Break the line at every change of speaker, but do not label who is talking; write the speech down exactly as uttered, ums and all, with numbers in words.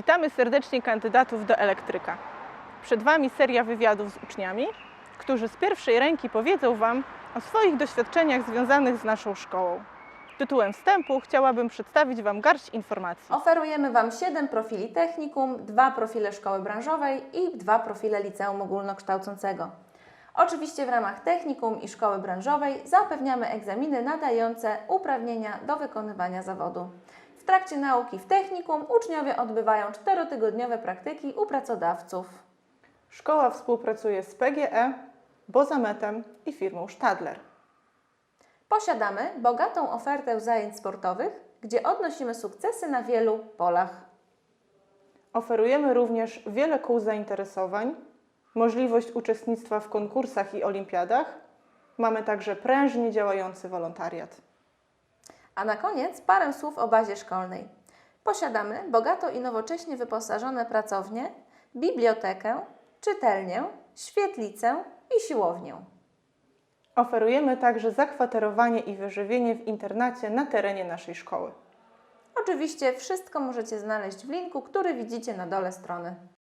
Witamy serdecznie kandydatów do elektryka. Przed Wami seria wywiadów z uczniami, którzy z pierwszej ręki powiedzą Wam o swoich doświadczeniach związanych z naszą szkołą. Tytułem wstępu chciałabym przedstawić Wam garść informacji.
Oferujemy Wam siedem profili technikum, dwa profile szkoły branżowej i dwa profile liceum ogólnokształcącego. Oczywiście w ramach technikum i szkoły branżowej zapewniamy egzaminy nadające uprawnienia do wykonywania zawodu. W trakcie nauki w technikum uczniowie odbywają czterotygodniowe praktyki u pracodawców.
Szkoła współpracuje z P G E, Bozametem i firmą Stadler.
Posiadamy bogatą ofertę zajęć sportowych, gdzie odnosimy sukcesy na wielu polach.
Oferujemy również wiele kół zainteresowań, możliwość uczestnictwa w konkursach i olimpiadach. Mamy także prężnie działający wolontariat.
A na koniec parę słów o bazie szkolnej. Posiadamy bogato i nowocześnie wyposażone pracownie, bibliotekę, czytelnię, świetlicę i siłownię.
Oferujemy także zakwaterowanie i wyżywienie w internacie na terenie naszej szkoły.
Oczywiście wszystko możecie znaleźć w linku, który widzicie na dole strony.